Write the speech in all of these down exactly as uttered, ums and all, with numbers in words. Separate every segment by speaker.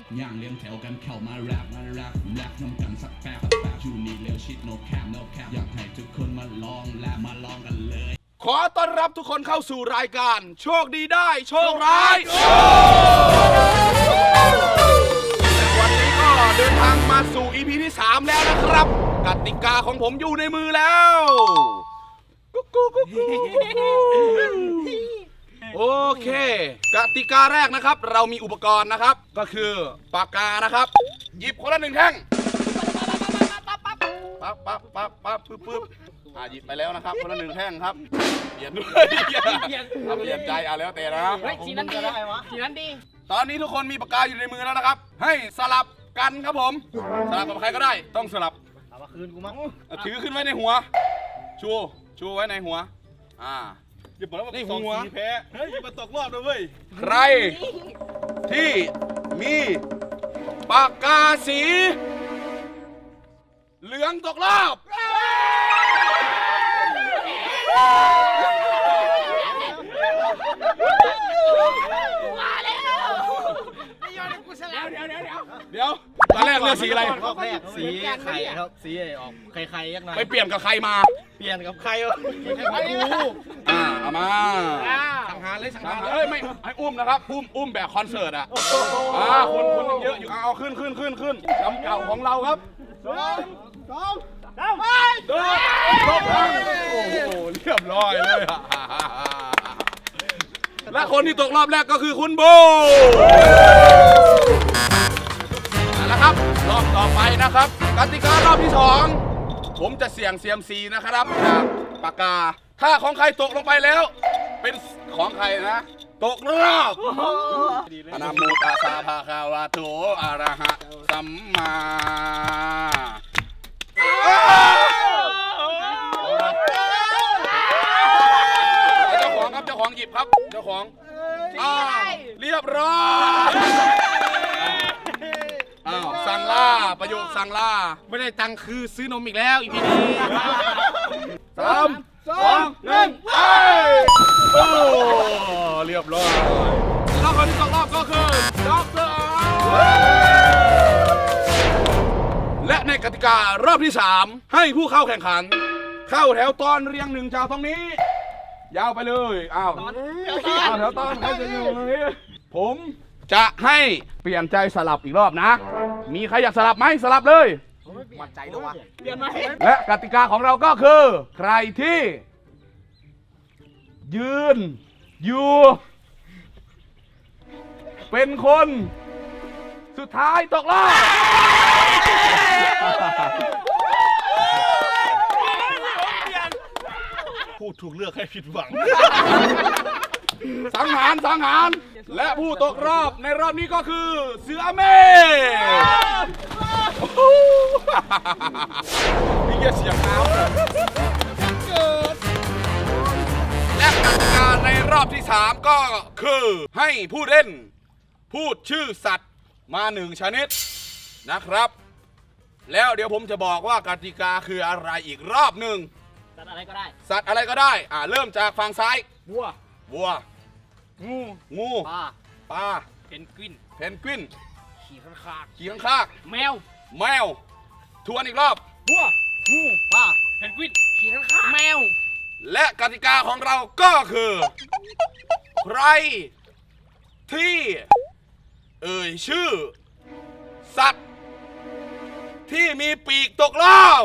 Speaker 1: ย่างเลี้ยงแถวกันเข้ามาแรปมาแรปแรปน้ำกันสักแป๊บแป๊บชูนี่เร็วชิด no cap no cap อยากให้ทุกคนมาลองและมาลองกันเลย
Speaker 2: ขอต้อนรับทุกคนเข้าสู่รายการโชคดีได้โชคร้ายวันนี้ก็เดินทางมาสู่ อี พี ที่สามแล้วนะครับกติกาของผมอยู่ในมือแล้วกุ๊กกุ๊กกุ๊กกุ๊กโอเคกติกาแรกนะครับเรามีอุปกรณ์นะครับก็คือปากกานะครับหยิบคนละหนึ่งแท่งปั๊บปั๊บปั๊บปั๊บปึ๊บปึ๊บอ่าหยิบไปแล้วนะครับคนละหนึ่งแท่งครับเปลี่ยนด้วยเปลี่ยนใจอ่ะแล้วแต่นะ
Speaker 3: เฮ้ยสีนั้นดีสีนั้นดี
Speaker 2: ตอนนี้ทุกคนมีปากกาอยู่ในมือแล้วนะครับให้สลับกันครับผมสลับกับใครก็ได้ต้องสลับ
Speaker 3: เอามาคืนกูมั้ง
Speaker 2: ถือขึ้นไว้ในหัวชูชูไว้ในหัวอ่า
Speaker 4: อย่าบอกว่าสองสีแพ้เฮ้ยอย่ามาตกรอบเลยเว้ย
Speaker 2: ใครที่มีปากกาสีเหลืองตกรอบ
Speaker 3: มาแล้วไม่ยอมกูสลับเดี๋ยวเดี๋ยวเดี๋ยว
Speaker 2: เดี๋ยวตอนแรกเลือกสีอะไร
Speaker 3: รอบแรกสีไข่ครับสีออกไข่ไข่ยักษ์หน่อย
Speaker 2: ไปเปลี่ยนกับใครมา
Speaker 3: เปลี่ยนกับใครวะ
Speaker 2: ไอ้กูอ่าเอามา
Speaker 3: สังหารเลยสังหาร
Speaker 2: เอ้ยไม่ให้อุ้มนะครับอุ้มอุ้มแบบคอนเสิร์ตอ่ะอ่าคนคนยังเยอะอยู่เอาขึ้นขึ้นขึ้นขึ้นลำเก่าของเราครับสองสองสามไปเดินโอ้โหเรียบร้อยเลยและคนที่ตกรอบแรกก็คือคุณโบแล้วครับรอบต่อไปนะครับกติการอบที่สองผมจะเสี่ยงเซียมซีนะครับจากปากกาถ้าของใครตกลงไปแล้วเป็นของใครนะตกรอบอนามุตาสาภาคาวาโตอะระหะสัมมาเจ้าของครับเจ้าของหยิบครับเจ้าของเรียบร้อยอ้าวสั่งล่าประโยคสั่งล่า
Speaker 3: ไม่ได้ตังค์คือซื้อนมอีกแล้วอีพีนี้
Speaker 2: สามสองหนึ่งไปโอ้เรียบร้อยแล้วคนที่ตกรอบก็คือด็อกเตอร์และในกติการอบที่สามให้ผู้เข้าแข่งขันเข้าแถวตอนเรียงหนึ่งจากตรงนี้ยาวไปเลยอ้าวเอาแถวตอนใครจะอยู่ตรงนี้ผมจะให้เปลี่ยนใจสลับอีกรอบนะมีใครอยากสลับไหมสลับเลย
Speaker 3: มั่นใจด้วยวะเปลี่ยนไหม
Speaker 2: และกติกาของเราก็คือใครที่ยืนอยู่เป็นคนสุดท้ายตกรอบ
Speaker 4: พูดถูกเลือกให้ผิดหวัง
Speaker 2: สังหารสังหารและผู้ตกรอบในรอบนี้ก็คือเสือเมฆมีเกียร์เสียงน้ำและกติกาในรอบที่สามก็คือให้ผู้เล่นพูดชื่อสัตว์มาหนึ่งชนิดนะครับแล้วเดี๋ยวผมจะบอกว่ากติกาคืออะไรอีกรอบหนึ่ง
Speaker 3: สัตว์อะไรก็ได้
Speaker 2: สัตว์อะไรก็ได้อ่าเริ่มจากฝั่งซ้าย
Speaker 3: วัว
Speaker 2: วัวงูงู
Speaker 3: ปลา
Speaker 2: ปลา
Speaker 3: เพนกวิน
Speaker 2: เพนกวิน
Speaker 3: ขี่ข้างคาก
Speaker 2: ขี่ข้างคาก
Speaker 3: แมว
Speaker 2: แมวทวนอีกรอบ
Speaker 3: วัวงูปลาเพนกวินขี่ข้างคากแมว
Speaker 2: และกติกาของเราก็คือใครที่เอ่ยชื่อสัตว์ที่มีปีกตกรอบ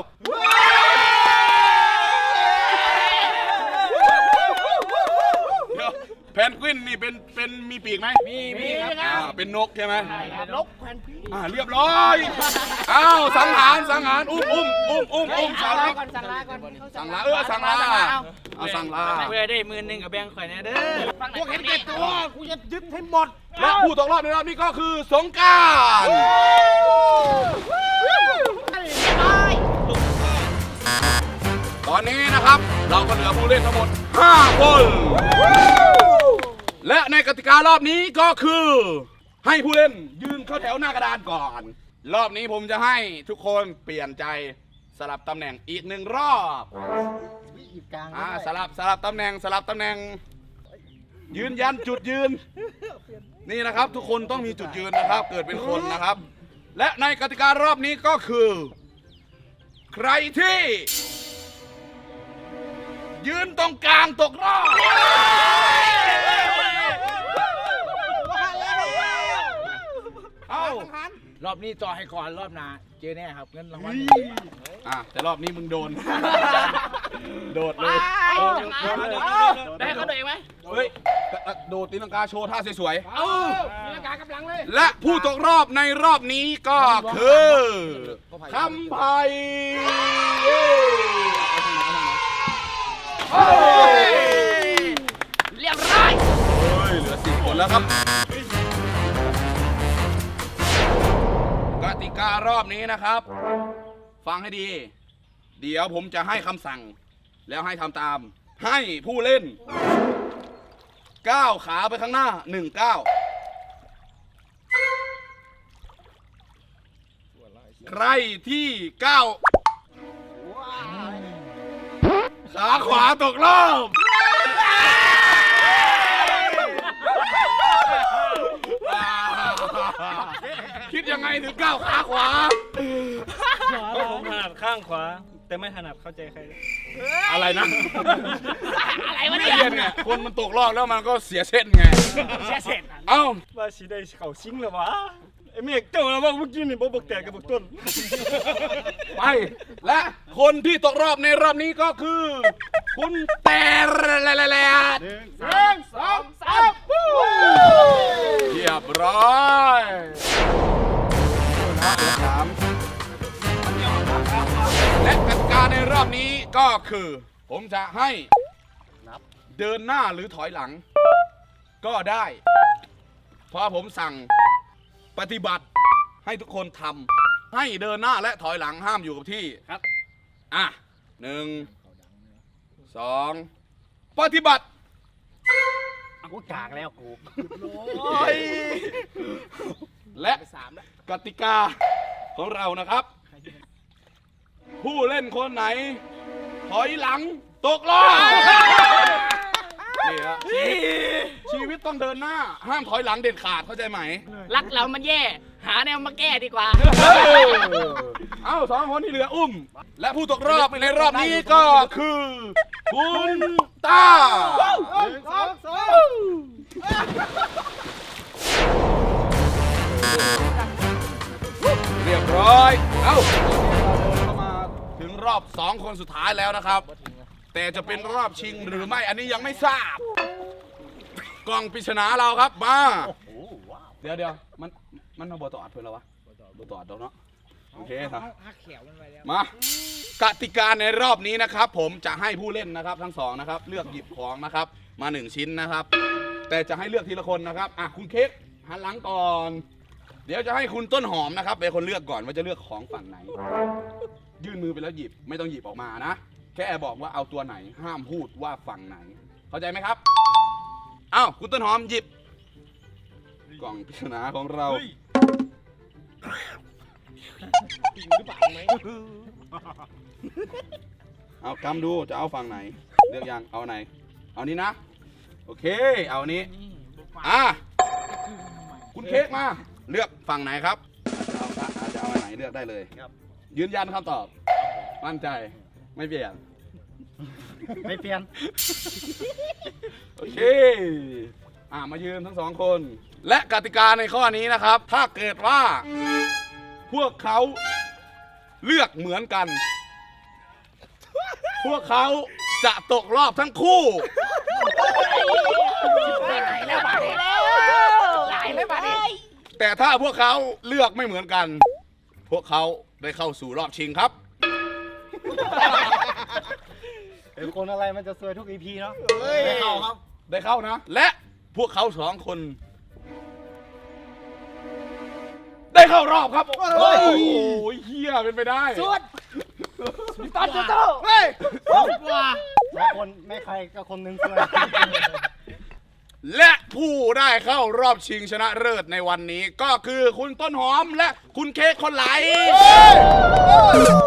Speaker 2: แพนกวินนี่เป็นเป็นมีปีกไหม
Speaker 3: มีมี
Speaker 2: อ่าเป็นนกใช่ไหม
Speaker 3: นกแพนกวิน
Speaker 2: อ่าเรียบร้อยอ้าวสังหารสังหารอุ้มอุ้มอุ้มอุ้มอุ้มสั่งลา
Speaker 3: ก่อนสั่งลาก่อน
Speaker 2: สั่งลาเออสั่งลาเอาสั่งลา
Speaker 3: เพื่อได้มือหนึ่งกับแบงค์ข่อยเนี่ยเด้อพวกเห็นแก่ตัวกูจะยึดให้หมด
Speaker 2: และผู้ตกรอบในรอบนี้ก็คือสงกรานต์ตอนนี้นะครับเราก็เหลือผู้เล่นทั้งหมดห้าคนและในกติการอบนี้ก็คือให้ผู้เล่นยืนเข้าแถวหน้ากระดานก่อนรอบนี้ผมจะให้ทุกคนเปลี่ยนใจสลับตำแหน่งอีกหนึ่งรอบอ่าสลับสลับตำแหน่งสลับตำแหน่งยืนยันจุดยืนนี่นะครับทุกคนต้องมีจุดยืนนะครับ เกิดเป็นคนนะครับ และในกติการอบนี้ก็คือ ใครที่ ยืนตรงกลางตกรอบเอ้าร
Speaker 3: อบนี้จอให้ก่อนรอบหน้าเจอแน่ครับเงินรางวัล
Speaker 2: อ่ะแต่รอบนี้มึงโดน โดดเลย
Speaker 3: ได้เขาตัวเองไหม
Speaker 2: เฮ้ยโดดตีลังกาโชว์ท่าสวย
Speaker 3: เอามีอากาศกำลังเลย
Speaker 2: ๆและผู้ตกรอบในรอบนี้ก็คือคำไผ่เย้เฮ้ย
Speaker 3: เรียบร้อย
Speaker 2: เฮ้ยเหลือสี่คนแล้วครับกติการอบนี้นะครับ ฟังให้ดี เดี๋ยวผมจะให้คำสั่ง แล้วให้ทำตาม ให้ผู้เล่นก้าวขาไปข้างหน้าหนึ่งก้าวใครที่ก้าวขาขวาตกรอบคิดยังไงถึงก้าวขาขวา
Speaker 4: ก็ผมถนัดข้างขวา แต่ไม่ถนัดเข้าใจใคร
Speaker 2: อะไรนะ
Speaker 3: อะไรวะ
Speaker 2: ไม่
Speaker 3: เนี่ย
Speaker 2: เรียนไงคนมันตกรอบแล้วมันก็เสียเส้นไง
Speaker 3: เสียเสร็จ
Speaker 2: เอ้า
Speaker 4: ว่าสิได้เข่าซิงหรอวะไอ้เมฆเจ้าแล้วว่าเมื่อกี้นี่บ่บอกแตกกับบอกต้น
Speaker 2: ไป และคนที่ตกรอบในรอบนี้ก็คือ คุณแต่แหละ
Speaker 3: หนึ่งสองสาม
Speaker 2: เรียบร้อยสามและกติกาในรอบนี้ก็คือ ผมจะให้เดินหน้าหรือถอยหลัง ก็ได้ เพราะผมสั่งปฏิบัติให้ทุกคนทำให้เดินหน้าและถอยหลังห้ามอยู่กับที่ครับอ่ะหนึ่งสองปฏิบัติ
Speaker 3: กูกากแล้วกู
Speaker 2: และกติกาของเรานะครับ ผู้เล่นคนไหน ถอยหลังตกรอบนี่ฮะชีวิตชีวิตต้องเดินหน้า ห้ามถอยหลังเด็ดขาดเข้าใจไหม
Speaker 3: รักเรามันแย่ หาแนวมาแก้ดีกว่า
Speaker 2: เอ้าสองคนที่เหลืออุ้ม และผู้ตกรอบในรอบนี้ก็คือ คุณตา
Speaker 3: สองสอง
Speaker 2: เรียบร้อย เอ้าเข้ามาถึงรอบสองคนสุดท้ายแล้วนะครับ แต่จะเป็นรอบชิงหรือไม่อันนี้ยังไม่ทราบ กล่องปริศนาเราครับมาเดี๋ยวเดี๋ยวมันมันเอาบอตอดเพื่อนเราวะบอตอดเราเนาะโอเคครับมากติกาในรอบนี้นะครับ ผมจะให้ผู้เล่นนะครับทั้งสองนะครับ เลือกหยิบของนะครับ มาหนึ่งชิ้นนะครับ แต่จะให้เลือกทีละคนนะครับอ่ะคุณเค้กหันหลังก่อน เดี๋ยวจะให้คุณต้นหอมนะครับเป็นคนเลือกก่อนว่าจะเลือกของฝั่งไหน ยื่นมือไปแล้วหยิบไม่ต้องหยิบออกมานะแค่บอกว่าเอาตัวไหนห้ามพูดว่าฝั่งไหน เข้าใจไหมครับอ้าวคุณต้นหอมหยิบกล่องปริศนาของเราเอากำดูจะเอาฝั่งไหนเลือกยังเอาไหนเอานี้นะโอเคเอานี้อ่ะคุณเค้กมาเลือกฝั่งไหนครับเอาอาจจะเอาอันไหนเลือกได้เลยยืนยันคำตอบมั่นใจไม่เปลี่ยน
Speaker 3: ไม่เปลี่ยน
Speaker 2: โอเคอ่ะมายืนทั้งสองคน และกติกาในข้อนี้นะครับ ถ้าเกิดว่า พวกเขาเลือกเหมือนกัน พวกเขาจะตกรอบทั้งคู่
Speaker 3: ไหนแล้วบาดแล้วไหนแล้วบาด
Speaker 2: แต่ถ้าพวกเขาเลือกไม่เหมือนกัน พวกเขาได้เข้าสู่รอบชิงครับ
Speaker 4: เป็นคนอะไรมันจะซวยทุกอีพีเนาะ
Speaker 2: ได้เข้าครับ ได้เข้านะ และพวกเขาสองคน ได้เข้ารอบครับโอ้ยเฮียเป็นไปได้
Speaker 3: สุดตอนจะโตเฮ้ยว้า
Speaker 4: คนไม่ใครก็คนนึงซวย
Speaker 2: และผู้ได้เข้ารอบชิงชนะเลิศในวันนี้ก็คือคุณต้นหอมและคุณเค้กคนไหล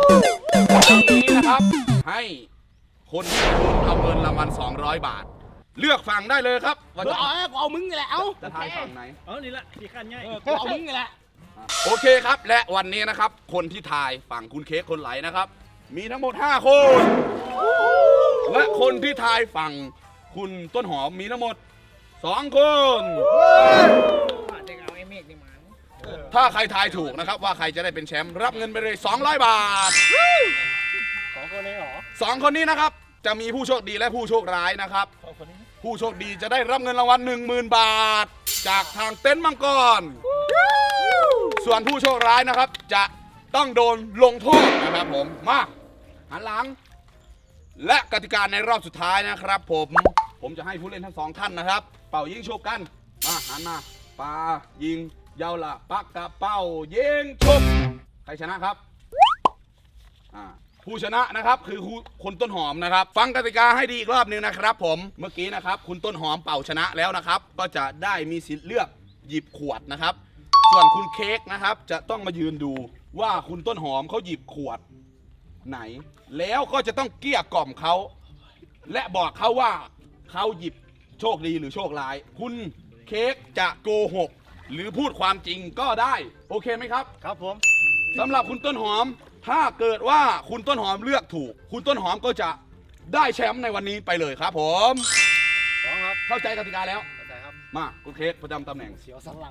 Speaker 2: วันนี้นะครับ ให้คนที่คุณเอาเงินรางวัลสองร้อยบาทเลือกฝั่งได้เลยครับว่าจะ
Speaker 3: เอาเอาเอามึงนี่แหละเอา
Speaker 2: จะทายฝั่งไหน
Speaker 4: เอานี่ละที่ขั้นง่าย
Speaker 3: กูเอามึงนี่แหละ
Speaker 2: โอเคครับ และวันนี้นะครับ คนที่ทายฝั่งคุณเค้กคนไหลนะครับ มีทั้งหมดห้าคน และคนที่ทายฝั่งคุณต้นหอมมีทั้งหมดสองคน
Speaker 3: เด็กเอาไอ้เมฆนี่มา
Speaker 2: ถ้าใครทายถูกนะครับว่าใครจะได้เป็นแชมป์รับเงินไปเลยสองร้อยบาท
Speaker 4: สองคนนี้หรอ
Speaker 2: สองคนนี้นะครับจะมีผู้โชคดีและผู้โชคร้ายนะครับ
Speaker 4: สองคนนี้
Speaker 2: ผู้โชคดีจะได้รับเงินรางวัลหนึ่งหมื่นบาท จากทางเต็นท์มังกร ส่วนผู้โชคร้ายนะครับ จะต้องโดนลงโทษนะครับผมมาหันหลัง และกติกาในรอบสุดท้ายนะครับผมผมจะให้ผู้เล่นทั้งสองท่านนะครับ เป่ายิงฉุบกันมาหันมาปายิงยาวละปักกระเป้ายิงฉุบใครชนะครับอ่าผู้ชนะนะครับคือคุณต้นหอมนะครับ ฟังกติกาให้ดีอีกรอบหนึ่งนะครับ ผมเมื่อกี้นะครับ คุณต้นหอมเป่าชนะแล้วนะครับ ก็จะได้มีสิทธิ์เลือกหยิบขวดนะครับ ส่วนคุณเค้กนะครับจะต้องมายืนดูว่าคุณต้นหอมเขาหยิบขวดไหน แล้วก็จะต้องเกลี้ยกล่อมเขาและบอกเขาว่าเขาหยิบโชคดีหรือโชคร้าย คุณเค้กจะโกหกหรือพูดความจริงก็ได้โอเคไหมครับ
Speaker 4: ครับผม
Speaker 2: สำหรับคุณต้นหอมถ้าเกิดว่าคุณต้นหอมเลือกถูก คุณต้นหอมก็จะได้แชมป์ในวันนี้ไปเลยครับผมพร้อมครับเข้าใจกติกาแล้วเข้าใจครับมาคุณเค้กประจำตำแหน่ง
Speaker 3: เสียวสันหลัง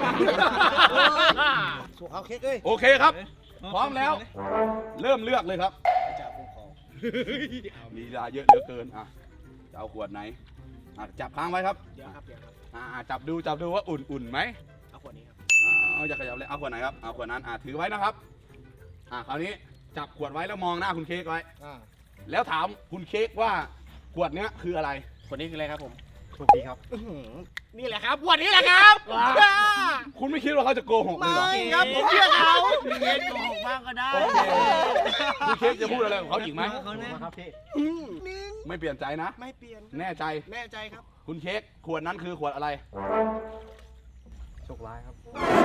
Speaker 3: สู้เขาเค้กเอ้ย
Speaker 2: โอเคครับ พร้อมแล้ว เริ่มเลือกเลยครับ
Speaker 3: จ่าคุ้มครอง
Speaker 2: มีเวลาเยอะเหลือเกินอ่ะจะเอาขวดไหนอ่ะจับค้างไว้ครับ
Speaker 3: เดี๋ยวครับเดี๋ยวครับ
Speaker 2: อ่ะจับดูจับดูว่าอุ่นๆไหม
Speaker 3: เอาขวดนี้ครับ
Speaker 2: เอาอย่าขยับเลยเอาขวดไหนครับเอาขวดนั้นอ่ะถือไว้นะครับอ่ะคราวนี้จับขวดไว้แล้วมองหน้าคุณเค้กไว้
Speaker 3: อ่า
Speaker 2: แล้วถามคุณเค้กว่าขวดเนี้ยคืออะไร
Speaker 3: ขวดนี้คืออะไรครับผมถูกดีครับนี่แหละครับขวดนี้แหละครับ
Speaker 2: คุณไม่คิดว่าเขาจะโกหกเลยเหรอ
Speaker 3: ไม่ครับผมเชื่อเขาเย็นโกหกบ้างก็ได้
Speaker 2: โอเคคุณเค้กจะพูดอะไรกับเขาอีกไหม
Speaker 3: เขาแน่ครับพี่
Speaker 2: ไม่เปลี่ยนใจนะ
Speaker 3: ไม่เปลี่ยน
Speaker 2: แน่ใจ
Speaker 3: แน่ใจครับ
Speaker 2: คุณเค้กขวดนั้นคือขวดอะไร
Speaker 3: โชคร้ายครับ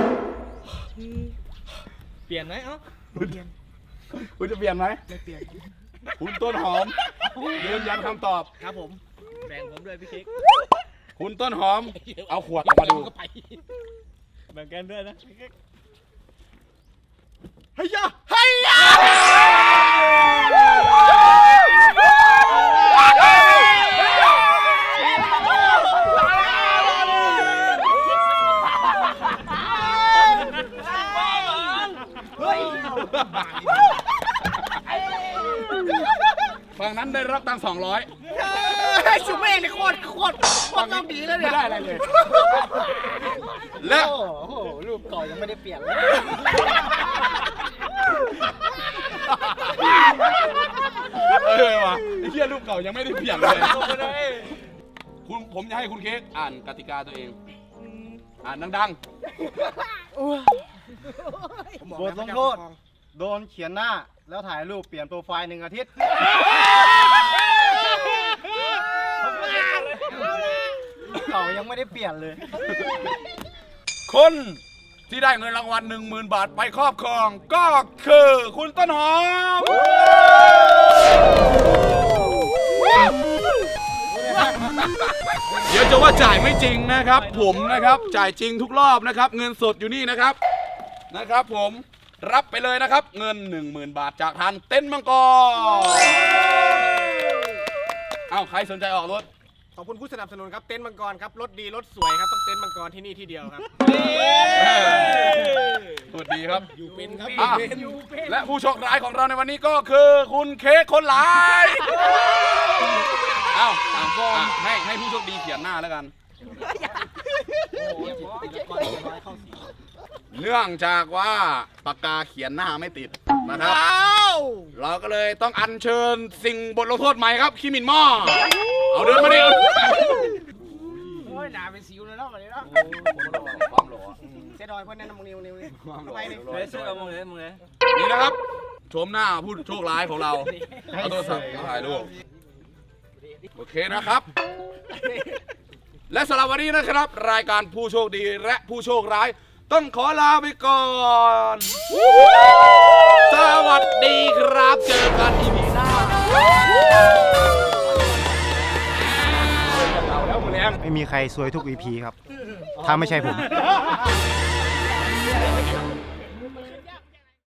Speaker 4: เปลี่ยนไหมเอ้า
Speaker 2: คุณคุณจะเปลี่ยนไหม
Speaker 3: ไม่เปลี่ยน
Speaker 2: คุณต้นหอมยืนยันคำตอบ
Speaker 3: ครับผม
Speaker 4: แบ่งผมด้วยพี่เค้ก
Speaker 2: คุณต้นหอม เอาขวดออกมาดู
Speaker 4: แบ่งกันด้วยนะพี่เค้ก
Speaker 3: เฮ้ยเฮ้ย
Speaker 2: ฝั่งนั้นได้รับตังค์สองร้อย
Speaker 3: ชูเมฆนี่โคตรโคตรโคตรต้องดีแล้วเนี่
Speaker 2: ไม่
Speaker 3: ย
Speaker 2: ได้อะไรเลย และ
Speaker 3: โอ้โหรูปก่อนยังไม่ได้เปลี่ยนเลย
Speaker 2: เออว่ะไอ้เหี้ยรูปเก่ายังไม่ได้เปลี่ยนเลยคุณผมจะให้คุณเค้กอ่านกติกาตัวเอง อ่านดัง
Speaker 5: บทลงโทษ โดนเขียนหน้าแล้วถ่ายรูปเปลี่ยนโปรไฟล์หนึ่งอาทิตย์ เก่ายังไม่ได้เปลี่ยนเลย
Speaker 2: ๆ คนที่ได้เงินรางวัลหนึ่งหมื่นบาทไปครอบครองก็คือคุณต้นหอม เดี๋ยวจะว่าจ่ายไม่จริงนะครับ ผมนะครับจ่ายจริงทุกรอบนะครับ เงินสดอยู่นี่นะครับนะครับ ผมรับไปเลยนะครับ เงิน หนึ่งหมื่น บาทจากทางเต็นท์มังกรเอ้าใครสนใจออกรถ
Speaker 3: ขอบคุณผู้สนับสนุนครับเต็นท์มังกรครับรถดีรถสวยครับต้องเต็นท์มังกรที่นี่ที่เดียวครับ
Speaker 2: สวัสดีครับ
Speaker 3: อยู่เป็นครับ
Speaker 2: อ่ะและผู้โชคร้ายของเราในวันนี้ก็คือคุณเค้กคนหลายเอ้าอ่ะอ่ะให้ให้ผู้โชคดีเขียนหน้าแล้วกัน เนื่องจากว่าปากกาเขียนหน้าไม่ติดนะครับ เราก็เลยต้องอัญเชิญสิ่งบทลงโทษใหม่ครับคิมินหม้อเอาเดินมาดิเอา
Speaker 3: โอ้ยหนาเป็นสิวเลยเนาะวันนี้เนาะ
Speaker 2: ความหล่อ
Speaker 3: เสียดอยเพื่อนแนะนำมึงนิวนิวนี่
Speaker 2: ความหล่อ
Speaker 3: ทำไมนี่
Speaker 4: เฮ้ยเสื้อเอามึงเลยมึงเลย
Speaker 2: นี่นะครับชมหน้าผู้โชคร้ายของเราเอาโทรศัพท์มาถ่ายรูปโอเคนะครับ และสำหรับวันนี้นะครับ รายการผู้โชคดีและผู้โชคร้ายต้องขอลาไปก่อน สวัสดีครับ เจอกันอีพีหน้าง
Speaker 5: ไม่มีใครซวยทุก อี พี ครับ ถ้าไม่ใช่ผม